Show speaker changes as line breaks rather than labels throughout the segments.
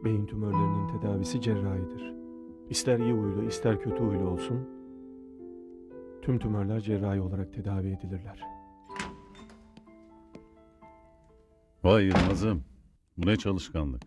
Beyin tümörlerinin tedavisi cerrahidir. İster iyi huylu, ister kötü huylu olsun, tüm tümörler cerrahi olarak tedavi edilirler.
Vay Yılmaz'ım. Bu ne çalışkanlık.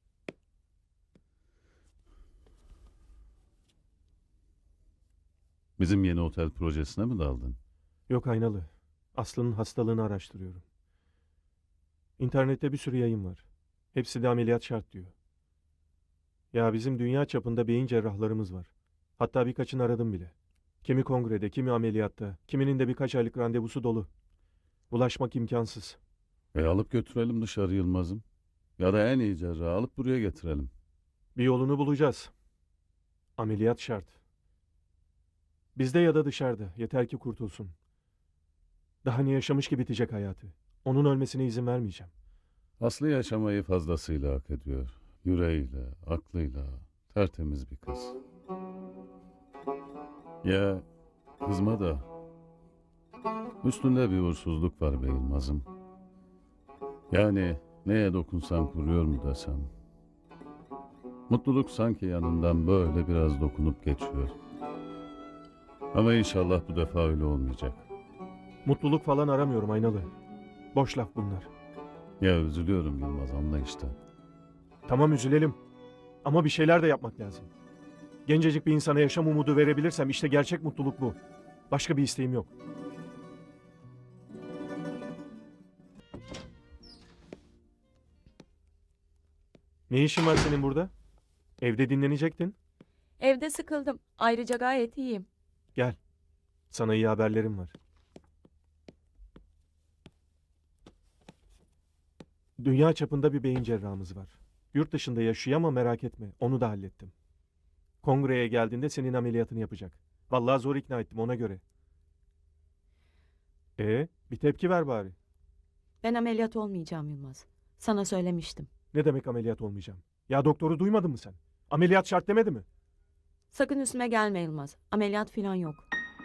Bizim yeni otel projesine mi daldın?
Yok Aynalı, Aslı'nın hastalığını araştırıyorum. İnternette bir sürü yayın var. Hepsi de ameliyat şart diyor. Ya bizim dünya çapında beyin cerrahlarımız var. Hatta birkaçını aradım bile. Kimi kongrede, kimi ameliyatta, kiminin de birkaç aylık randevusu dolu. Ulaşmak imkansız.
Alıp götürelim dışarı Yılmaz'ım. Ya da en iyi cerrahı alıp buraya getirelim.
Bir yolunu bulacağız. Ameliyat şart. Bizde ya da dışarıda. Yeter ki kurtulsun. Daha ne yaşamış ki bitecek hayatı. Onun ölmesine izin vermeyeceğim.
Aslı yaşamayı fazlasıyla hak ediyor. Yüreğiyle, aklıyla, tertemiz bir kız. Ya kızma da üstünde bir uğursuzluk var be Yılmaz'ım. Yani neye dokunsam kuruyor mu desem. Mutluluk sanki yanından böyle biraz dokunup geçiyor. Ama inşallah bu defa öyle olmayacak.
Mutluluk falan aramıyorum Aynalı. Boş laf bunlar.
Ya üzülüyorum Yılmaz, anla işte.
Tamam üzülelim. Ama bir şeyler de yapmak lazım. Gencecik bir insana yaşam umudu verebilirsem işte gerçek mutluluk bu. Başka bir isteğim yok. Ne işin var senin burada? Evde dinlenecektin.
Evde sıkıldım. Ayrıca gayet iyiyim.
Gel. Sana iyi haberlerim var. Dünya çapında bir beyin cerrahımız var. Yurt dışında yaşıyor ama merak etme. Onu da hallettim. Kongreye geldiğinde senin ameliyatını yapacak. Vallahi zor ikna ettim ona göre. Bir tepki ver bari.
Ben ameliyat olmayacağım Yılmaz. Sana söylemiştim.
Ne demek ameliyat olmayacağım? Ya doktoru duymadın mı sen? Ameliyat şart demedi mi?
Sakın üstüme gelme Yılmaz. Ameliyat falan yok.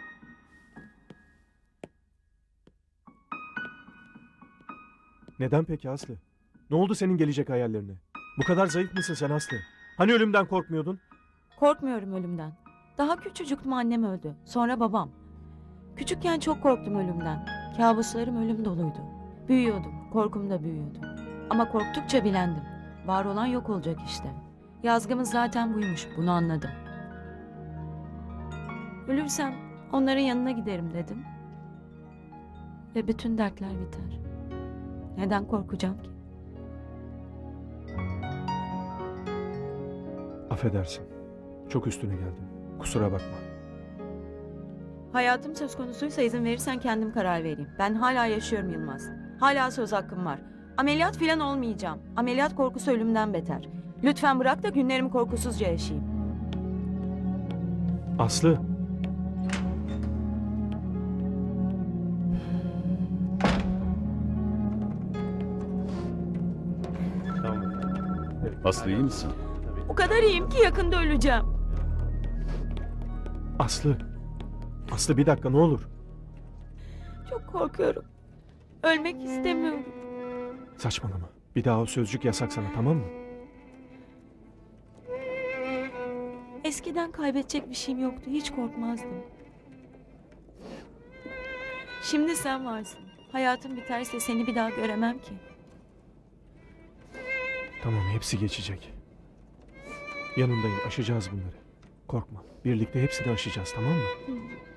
Neden peki Aslı? Ne oldu senin gelecek hayallerine? Bu kadar zayıf mısın sen Aslı? Hani ölümden korkmuyordun?
Korkmuyorum ölümden. Daha küçücüktüm, annem öldü. Sonra babam. Küçükken çok korktum ölümden. Kabuslarım ölüm doluydu. Büyüyordum. Korkum da büyüyordu. Ama korktukça bilendim. Var olan yok olacak işte. Yazgımız zaten buymuş. Bunu anladım. Ölürsem onların yanına giderim dedim. Ve bütün dertler biter. Neden korkacağım ki?
Affedersin. Çok üstüne geldim. Kusura bakma.
Hayatım söz konusuysa izin verirsen kendim karar vereyim. Ben hala yaşıyorum Yılmaz. Hala söz hakkım var. Ameliyat falan olmayacağım. Ameliyat korkusu ölümden beter. Lütfen bırak da günlerimi korkusuzca yaşayayım.
Aslı.
Aslı iyi misin?
O kadar iyiyim ki yakında öleceğim.
Aslı. Aslı bir dakika ne olur.
Çok korkuyorum. Ölmek istemiyorum.
Saçmalama. Bir daha o sözcük yasak sana, tamam mı?
Eskiden kaybedecek bir şeyim yoktu. Hiç korkmazdım. Şimdi sen varsın. Hayatım biterse seni bir daha göremem ki.
Tamam, hepsi geçecek. Yanındayım, aşacağız bunları. Korkma. Birlikte hepsini aşacağız, tamam mı?